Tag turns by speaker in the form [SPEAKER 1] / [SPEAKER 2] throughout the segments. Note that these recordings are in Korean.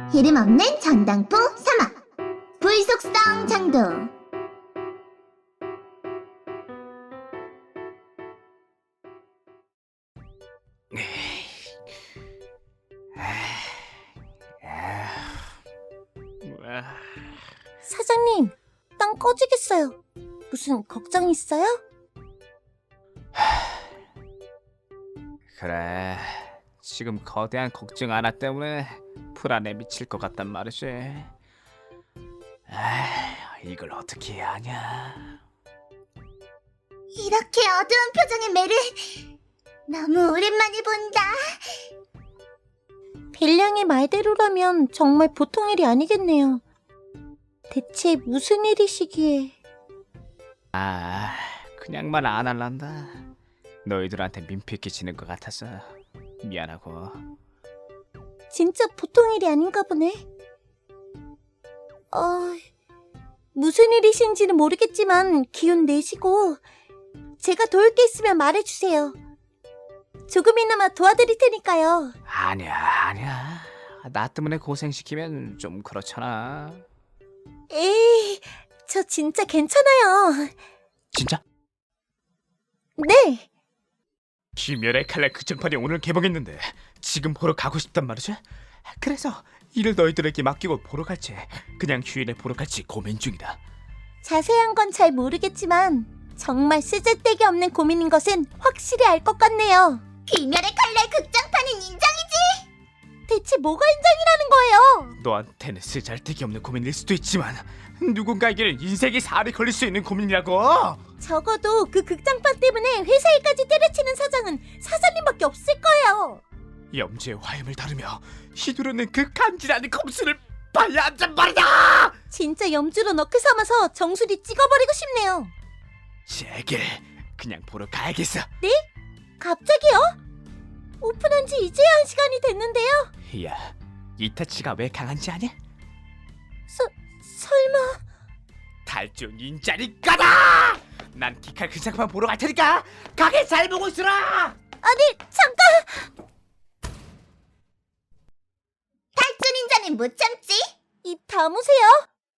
[SPEAKER 1] 이름 없는 전당포 사막 불속성 장도.
[SPEAKER 2] 사장님, 땅 꺼지겠어요. 무슨 걱정 있어요?
[SPEAKER 3] 그래, 지금 거대한 걱정 하나 때문에 불안에 미칠 것 같단 말이지. 이걸 어떻게 해야 하냐.
[SPEAKER 1] 이렇게 어두운 표정의 매를 너무 오랜만에 본다.
[SPEAKER 2] 벨량의 말대로라면 정말 보통 일이 아니겠네요. 대체 무슨 일이시기에...
[SPEAKER 3] 그냥 말 안 할란다. 너희들한테 민폐 끼치는 것 같아서 미안하고.
[SPEAKER 2] 진짜 보통 일이 아닌가 보네. 무슨 일이신지는 모르겠지만 기운 내시고 제가 도울 게 있으면 말해주세요. 조금이나마 도와드릴 테니까요.
[SPEAKER 3] 아니야. 나 때문에 고생시키면 좀 그렇잖아.
[SPEAKER 2] 에이, 저 진짜 괜찮아요.
[SPEAKER 3] 진짜?
[SPEAKER 2] 네.
[SPEAKER 3] 귀멸의 칼날 극장판이 오늘 개봉했는데 지금 보러 가고 싶단 말이지? 그래서 이를 너희들에게 맡기고 보러 갈지 그냥 휴일에 보러 갈지 고민 중이다.
[SPEAKER 2] 자세한 건 잘 모르겠지만 정말 쓰잘데기 없는 고민인 것은 확실히 알 것 같네요.
[SPEAKER 1] 귀멸의 칼날 극장판은 인정이지.
[SPEAKER 2] 대체 뭐가 인정이라는 거예요?
[SPEAKER 3] 너한테는 쓰잘데기 없는 고민일 수도 있지만 누군가에게는 인생의 살이 걸릴 수 있는 고민이라고.
[SPEAKER 2] 적어도 그 극장판 때문에 회사 일까지 때려치는 사장은 사장님밖에 없을 거예요.
[SPEAKER 3] 염주의 화염을 다루며 휘두르는 그 간지나는 검수를 봐야 한단 말이다.
[SPEAKER 2] 진짜 염주로 너클 삼아서 정수리 찍어버리고 싶네요.
[SPEAKER 3] 제길 그냥 보러 가야겠어.
[SPEAKER 2] 네? 갑자기요? 오픈한 지 이제야 1시간이 됐는데요.
[SPEAKER 3] 야, 이타치가 왜 강한지 아냐?
[SPEAKER 2] 설마...
[SPEAKER 3] 탈주 닌자니까다! 난 기칼 그 작품 보러 갈 테니까 가게 잘 보고 있으라!
[SPEAKER 2] 아니, 잠깐!
[SPEAKER 1] 탈주 닌자는 못 참지.
[SPEAKER 2] 입 다무세요.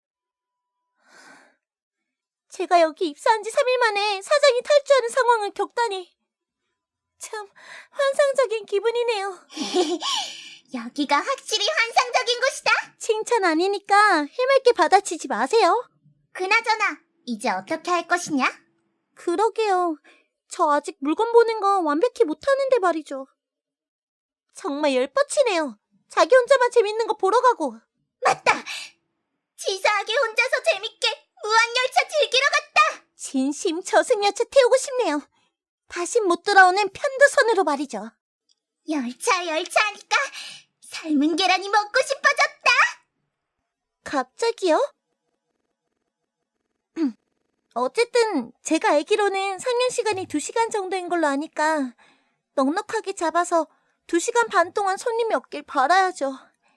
[SPEAKER 2] 제가 여기 입사한 지 3일 만에 사장이 탈주하는 상황을 겪다니 참 환상적인 기분이네요.
[SPEAKER 1] 여기가 확실히 환상적인 곳이다.
[SPEAKER 2] 칭찬 아니니까 해맑게 받아치지 마세요.
[SPEAKER 1] 그나저나 이제 어떻게 할 것이냐?
[SPEAKER 2] 그러게요. 저 아직 물건 보는 거 완벽히 못하는데 말이죠. 정말 열뻗치네요. 자기 혼자만 재밌는 거 보러 가고.
[SPEAKER 1] 맞다. 치사하게 혼자서 재밌게 무한열차 즐기러 갔다.
[SPEAKER 2] 진심 저승여차 태우고 싶네요. 다신 못 돌아오는 편도선으로 말이죠.
[SPEAKER 1] 열차 하니까 삶은 계란이 먹고 싶어졌다.
[SPEAKER 2] 갑자기요? 어쨌든 제가 알기로는 상영 시간이 2시간 정도인 걸로 아니까 넉넉하게 잡아서 2시간 반 동안 손님이 없길 바라야죠.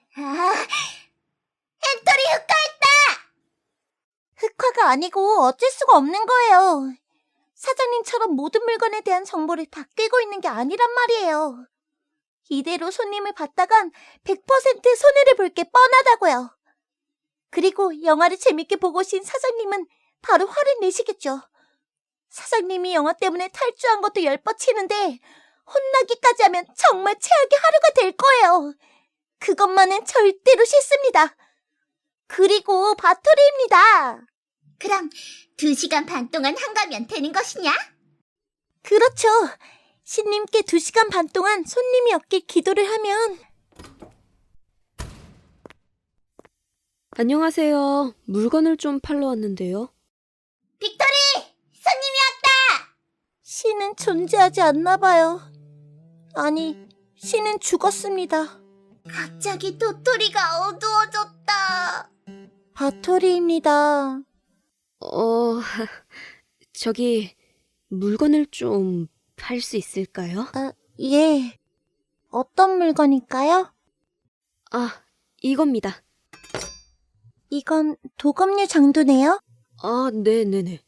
[SPEAKER 1] 엔터리 흑화했다.
[SPEAKER 2] 흑화가 아니고 어쩔 수가 없는 거예요. 사장님처럼 모든 물건에 대한 정보를 다 꿰고 있는 게 아니란 말이에요. 이대로 손님을 받다간 100% 손해를 볼 게 뻔하다고요. 그리고 영화를 재밌게 보고 오신 사장님은 바로 화를 내시겠죠. 사장님이 영화 때문에 탈주한 것도 열뻗치는데 혼나기까지 하면 정말 최악의 하루가 될 거예요. 그것만은 절대로 싫습니다. 그리고 바토리입니다.
[SPEAKER 1] 그럼 2시간 반 동안 한가면 되는 것이냐?
[SPEAKER 2] 그렇죠. 신님께 2시간 반 동안 손님이 없길 기도를 하면.
[SPEAKER 4] 안녕하세요. 물건을 좀 팔러 왔는데요.
[SPEAKER 1] 빅토리! 손님이 왔다!
[SPEAKER 2] 신은 존재하지 않나 봐요. 아니, 신은 죽었습니다.
[SPEAKER 1] 갑자기 도토리가 어두워졌다.
[SPEAKER 2] 바토리입니다.
[SPEAKER 4] 저기 물건을 좀 팔 수 있을까요?
[SPEAKER 2] 예. 어떤 물건일까요?
[SPEAKER 4] 이겁니다.
[SPEAKER 2] 이건 도검류 장도네요?
[SPEAKER 4] 네네네.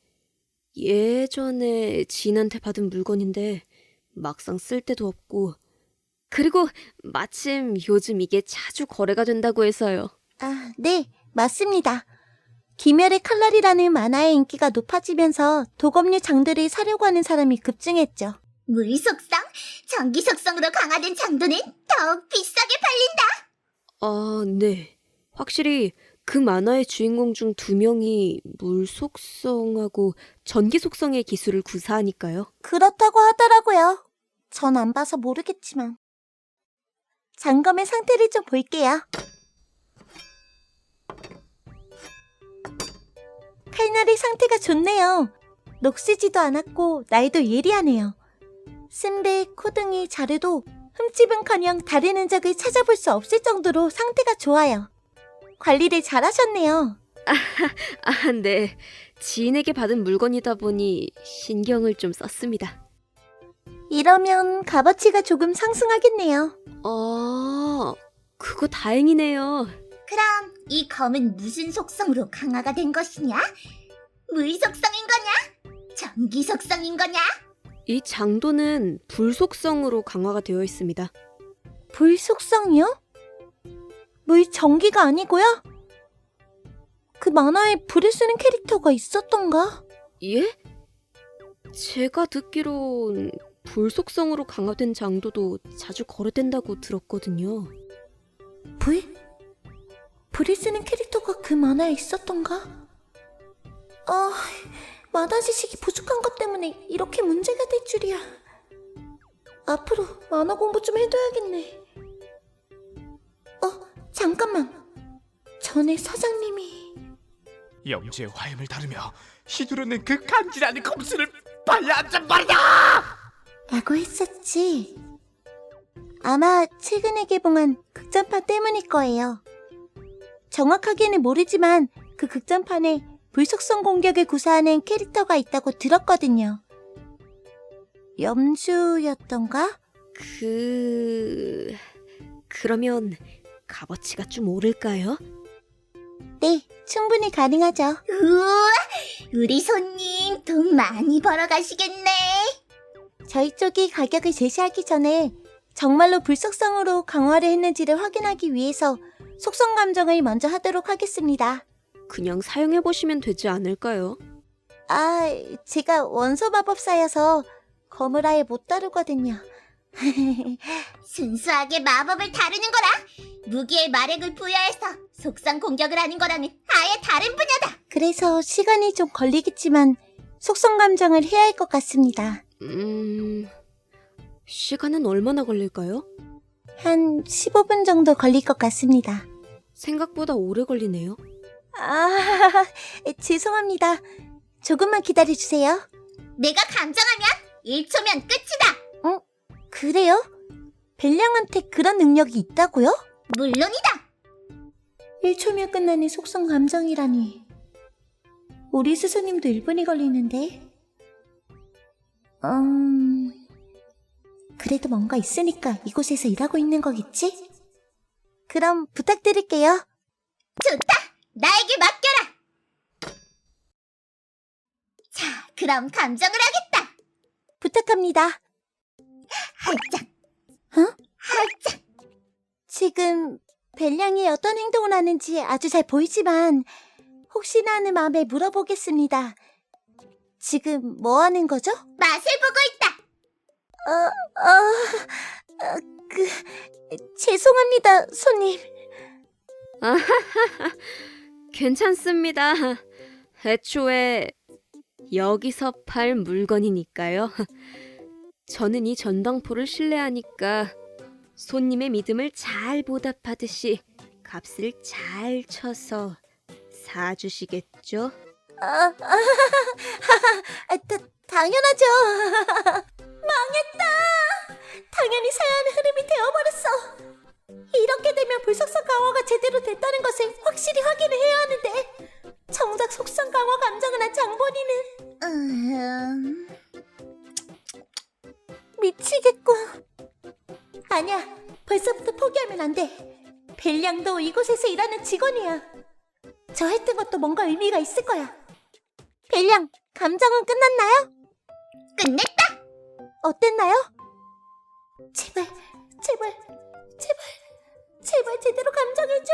[SPEAKER 4] 예전에 지인한테 받은 물건인데 막상 쓸 데도 없고 그리고 마침 요즘 이게 자주 거래가 된다고 해서요.
[SPEAKER 2] 아, 네, 맞습니다. 귀멸의 칼날이라는 만화의 인기가 높아지면서 도검류 장들을 사려고 하는 사람이 급증했죠.
[SPEAKER 1] 물 속성, 전기 속성으로 강화된 장도는 더욱 비싸게 팔린다.
[SPEAKER 4] 아, 네. 확실히 그 만화의 주인공 중 2명이 물 속성하고 전기 속성의 기술을 구사하니까요.
[SPEAKER 2] 그렇다고 하더라고요. 전 안 봐서 모르겠지만. 장검의 상태를 좀 볼게요. 칼날의 상태가 좋네요. 녹슬지도 않았고 날도 예리하네요. 쓴배, 코등이 자르도 흠집은커녕 다른 흔적을 찾아볼 수 없을 정도로 상태가 좋아요. 관리를 잘하셨네요.
[SPEAKER 4] 아, 네. 지인에게 받은 물건이다 보니 신경을 좀 썼습니다.
[SPEAKER 2] 이러면 값어치가 조금 상승하겠네요.
[SPEAKER 4] 아, 그거 다행이네요.
[SPEAKER 1] 그럼 이 검은 무슨 속성으로 강화가 된 것이냐? 물 속성인 거냐? 전기 속성인 거냐?
[SPEAKER 4] 이 장도는 불 속성으로 강화가 되어 있습니다.
[SPEAKER 2] 불 속성이요? 물 전기가 아니고요? 그 만화에 불을 쓰는 캐릭터가 있었던가?
[SPEAKER 4] 예? 제가 듣기론 불 속성으로 강화된 장도도 자주 거래된다고 들었거든요.
[SPEAKER 2] 불? 불을 쓰는 캐릭터가 그 만화에 있었던가? 만화 지식이 부족한 것 때문에 이렇게 문제가 될 줄이야. 앞으로 만화 공부 좀 해둬야겠네. 잠깐만. 전에 사장님이...
[SPEAKER 3] 영지의 화염을 다루며 휘두르는 그 간지나는 검수를 봐야 한단 말이다!
[SPEAKER 2] 라고 했었지. 아마 최근에 개봉한 극장판 때문일 거예요. 정확하게는 모르지만 그 극장판에 불속성 공격을 구사하는 캐릭터가 있다고 들었거든요. 염주였던가?
[SPEAKER 4] 그러면 값어치가 좀 오를까요?
[SPEAKER 2] 네, 충분히 가능하죠.
[SPEAKER 1] 우와, 우리 손님 돈 많이 벌어가시겠네.
[SPEAKER 2] 저희 쪽이 가격을 제시하기 전에 정말로 불속성으로 강화를 했는지를 확인하기 위해서 속성 감정을 먼저 하도록 하겠습니다.
[SPEAKER 4] 그냥 사용해보시면 되지 않을까요?
[SPEAKER 2] 제가 원소 마법사여서 검을 아예 못 다루거든요.
[SPEAKER 1] 순수하게 마법을 다루는 거라 무기에 마력을 부여해서 속성 공격을 하는 거랑은 아예 다른 분야다.
[SPEAKER 2] 그래서 시간이 좀 걸리겠지만 속성 감정을 해야 할 것 같습니다.
[SPEAKER 4] 시간은 얼마나 걸릴까요?
[SPEAKER 2] 한 15분 정도 걸릴 것 같습니다.
[SPEAKER 4] 생각보다 오래 걸리네요.
[SPEAKER 2] 죄송합니다. 조금만 기다려주세요.
[SPEAKER 1] 내가 감정하면 1초면 끝이다.
[SPEAKER 2] 그래요? 벨량한테 그런 능력이 있다고요?
[SPEAKER 1] 물론이다.
[SPEAKER 2] 1초면 끝나는 속성 감정이라니. 우리 스승님도 1분이 걸리는데. 그래도 뭔가 있으니까 이곳에서 일하고 있는 거겠지? 그럼 부탁드릴게요.
[SPEAKER 1] 좋다. 나에게 맡겨라. 자, 그럼 감정을 하겠다.
[SPEAKER 2] 부탁합니다.
[SPEAKER 1] 활짝. 활짝.
[SPEAKER 2] 지금 벨량이 어떤 행동을 하는지 아주 잘 보이지만 혹시나 하는 마음에 물어보겠습니다. 지금 뭐 하는 거죠?
[SPEAKER 1] 맛을 보고 있다.
[SPEAKER 2] 죄송합니다, 손님.
[SPEAKER 4] 괜찮습니다. 애초에 여기서 팔 물건이니까요. 저는 이 전당포를 신뢰하니까 손님의 믿음을 잘 보답하듯이 값을 잘 쳐서 사주시겠죠?
[SPEAKER 2] 당연하죠. 망했다. 당연히 사야 하는 흐름이 되어버렸어. 이렇게 되면 불속성 강화가 제대로 됐다는 것을 확실히 확인을 해야 하는데 정작 속성 강화 감정을 한 장본인은 미치겠군. 아니야, 벌써부터 포기하면 안 돼. 벨량도 이곳에서 일하는 직원이야. 저 했던 것도 뭔가 의미가 있을 거야. 벨량, 감정은 끝났나요?
[SPEAKER 1] 끝냈다.
[SPEAKER 2] 어땠나요? 제발 제발, 제발 제대로 감정해줘.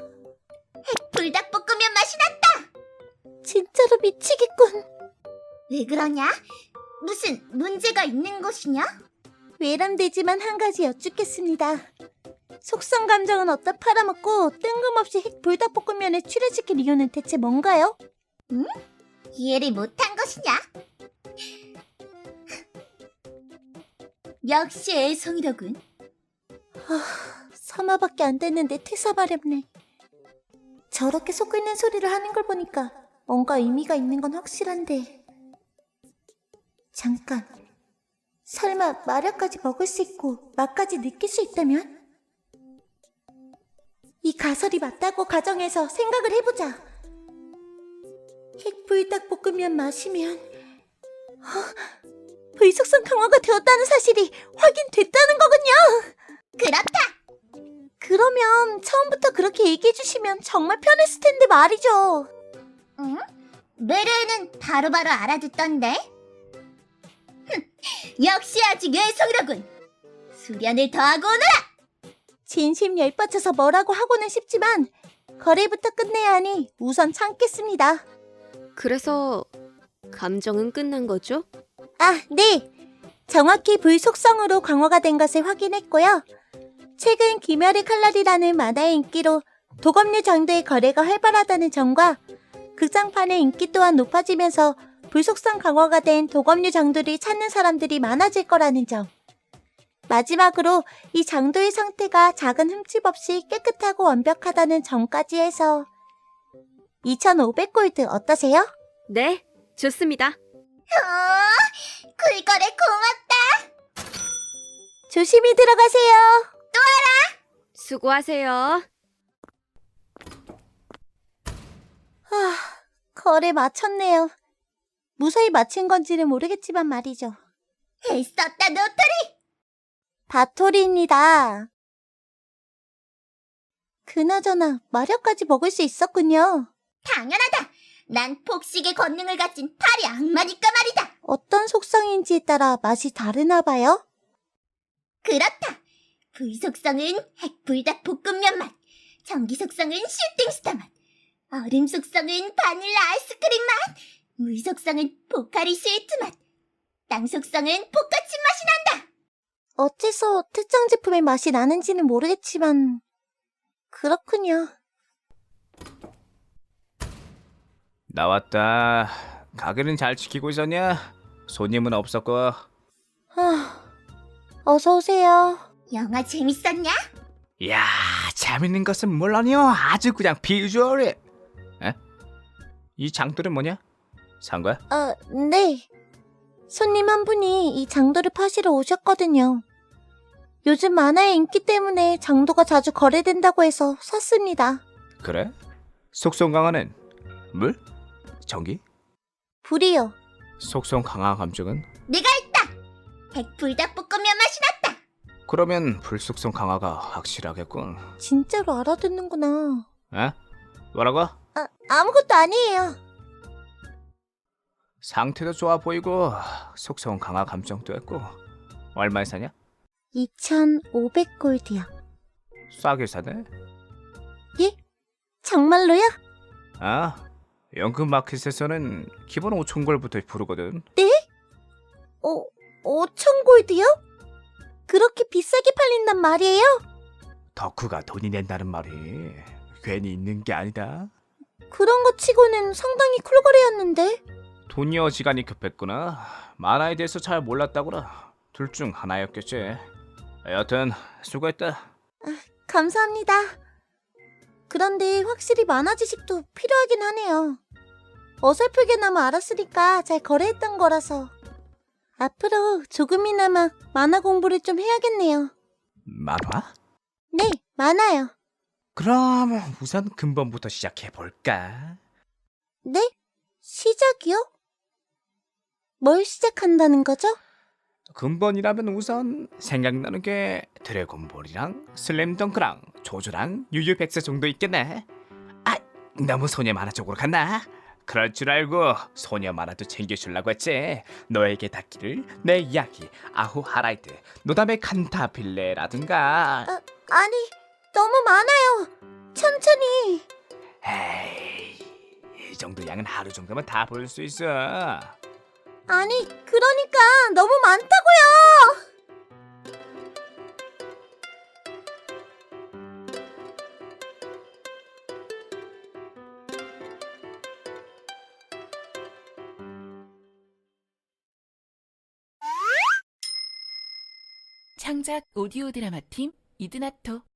[SPEAKER 1] 불닭볶음면 맛이 났다.
[SPEAKER 2] 진짜로 미치겠군.
[SPEAKER 1] 왜 그러냐? 무슨 문제가 있는 것이냐?
[SPEAKER 2] 외람되지만 한 가지 여쭙겠습니다. 속성 감정은 어디다 팔아먹고 뜬금없이 핵 불닭볶음면에 출연시킬 이유는 대체 뭔가요?
[SPEAKER 1] 이해를 못한 것이냐? 역시 애송이로군.
[SPEAKER 2] 서마밖에 안 됐는데 퇴사마렵네. 저렇게 속 끓는 소리를 하는 걸 보니까 뭔가 의미가 있는 건 확실한데. 잠깐. 설마 마력까지 먹을 수 있고 맛까지 느낄 수 있다면? 이 가설이 맞다고 가정해서 생각을 해보자. 핵불닭볶음면 마시면 불속성 강화가 되었다는 사실이 확인됐다는 거군요.
[SPEAKER 1] 그렇다.
[SPEAKER 2] 그러면 처음부터 그렇게 얘기해 주시면 정말 편했을 텐데 말이죠.
[SPEAKER 1] 응? 메르는 바로바로 알아듣던데. 역시 아직 애송이로군. 수련을 더하고 오너라.
[SPEAKER 2] 진심 열받쳐서 뭐라고 하고는 싶지만 거래부터 끝내야 하니 우선 참겠습니다.
[SPEAKER 4] 그래서 감정은 끝난 거죠?
[SPEAKER 2] 아, 네. 정확히 불속성으로 강화가 된 것을 확인했고요. 최근 귀멸의 칼날이라는 만화의 인기로 도검류 장도의 거래가 활발하다는 점과 극장판의 인기 또한 높아지면서 불속성 강화가 된 도검류 장도를 찾는 사람들이 많아질 거라는 점. 마지막으로 이 장도의 상태가 작은 흠집 없이 깨끗하고 완벽하다는 점까지 해서 2,500골드 어떠세요?
[SPEAKER 4] 네, 좋습니다.
[SPEAKER 1] 굴거래 고맙다.
[SPEAKER 2] 조심히 들어가세요.
[SPEAKER 4] 수고하세요.
[SPEAKER 2] 거래 마쳤네요. 무사히 마친 건지는 모르겠지만 말이죠.
[SPEAKER 1] 애썼다 노토리.
[SPEAKER 2] 바토리입니다. 그나저나 마력까지 먹을 수 있었군요.
[SPEAKER 1] 당연하다. 난 폭식의 권능을 가진 파리 악마니까 말이다.
[SPEAKER 2] 어떤 속성인지에 따라 맛이 다르나 봐요.
[SPEAKER 1] 그렇다. 불속성은 핵불닭 볶음면 맛, 전기 속성은 슈팅스타 맛, 얼음 속성은 바닐라 아이스크림 맛, 물 속성은 포카리 스위트 맛, 땅 속성은 포카칩 맛이 난다.
[SPEAKER 2] 어째서 특정 제품의 맛이 나는지는 모르겠지만 그렇군요.
[SPEAKER 3] 나왔다. 가게는 잘 지키고 있었냐? 손님은 없었고.
[SPEAKER 2] 어서 오세요.
[SPEAKER 1] 영화 재밌었냐?
[SPEAKER 3] 이야, 재밌는 것은 물론이요. 아주 그냥 비주얼이. 에? 이 장돌은 뭐냐? 산 거야?
[SPEAKER 2] 네. 손님 한 분이 이 장도를 파시러 오셨거든요. 요즘 만화의 인기 때문에 장도가 자주 거래된다고 해서 샀습니다.
[SPEAKER 3] 그래? 속성 강화는 물? 전기?
[SPEAKER 2] 불이요.
[SPEAKER 3] 속성 강화 감정은?
[SPEAKER 1] 내가 했다. 핵불닭 볶음면 맛이 났다.
[SPEAKER 3] 그러면 불속성 강화가 확실하겠군.
[SPEAKER 2] 진짜로 알아듣는구나.
[SPEAKER 3] 에? 뭐라고?
[SPEAKER 2] 아무것도 아니에요.
[SPEAKER 3] 상태도 좋아 보이고 속성 강화 감정도 했고. 얼마에 사냐?
[SPEAKER 2] 2,500골드요.
[SPEAKER 3] 싸게 사네.
[SPEAKER 2] 예? 정말로요?
[SPEAKER 3] 아, 연금 마켓에서는 기본 5,000골부터 부르거든.
[SPEAKER 2] 5,000골드요? 그렇게 비싸게 팔린단 말이에요?
[SPEAKER 3] 덕후가 돈이 낸다는 말이 괜히 있는 게 아니다.
[SPEAKER 2] 그런 거 치고는 상당히 쿨거래였는데.
[SPEAKER 3] 돈이 어지간히 급했구나. 만화에 대해서 잘 몰랐다구나. 둘 중 하나였겠지. 여튼 수고했다.
[SPEAKER 2] 감사합니다. 그런데 확실히 만화 지식도 필요하긴 하네요. 어설프게나마 알았으니까 잘 거래했던 거라서. 앞으로 조금이나마 만화 공부를 좀 해야겠네요.
[SPEAKER 3] 만화?
[SPEAKER 2] 네, 만화요.
[SPEAKER 3] 그럼 우선 근본부터 시작해볼까?
[SPEAKER 2] 네? 시작이요? 뭘 시작한다는 거죠?
[SPEAKER 3] 근본이라면 우선 생각나는 게 드래곤볼이랑 슬램덩크랑 조조랑 유유백세 정도 있겠네. 아, 너무 소녀 만화 쪽으로 갔나? 그럴 줄 알고 소녀 만화도 챙겨주려고 했지. 너에게 닿기를 내 이야기 아후 하라이트 노담의 칸타빌레라든가.
[SPEAKER 2] 아니, 너무 많아요. 천천히.
[SPEAKER 3] 에이, 이 정도 양은 하루 정도면 다 볼 수 있어.
[SPEAKER 2] 아니, 그러니까 너무 많다고요.
[SPEAKER 5] 창작 오디오 드라마 팀 이드나토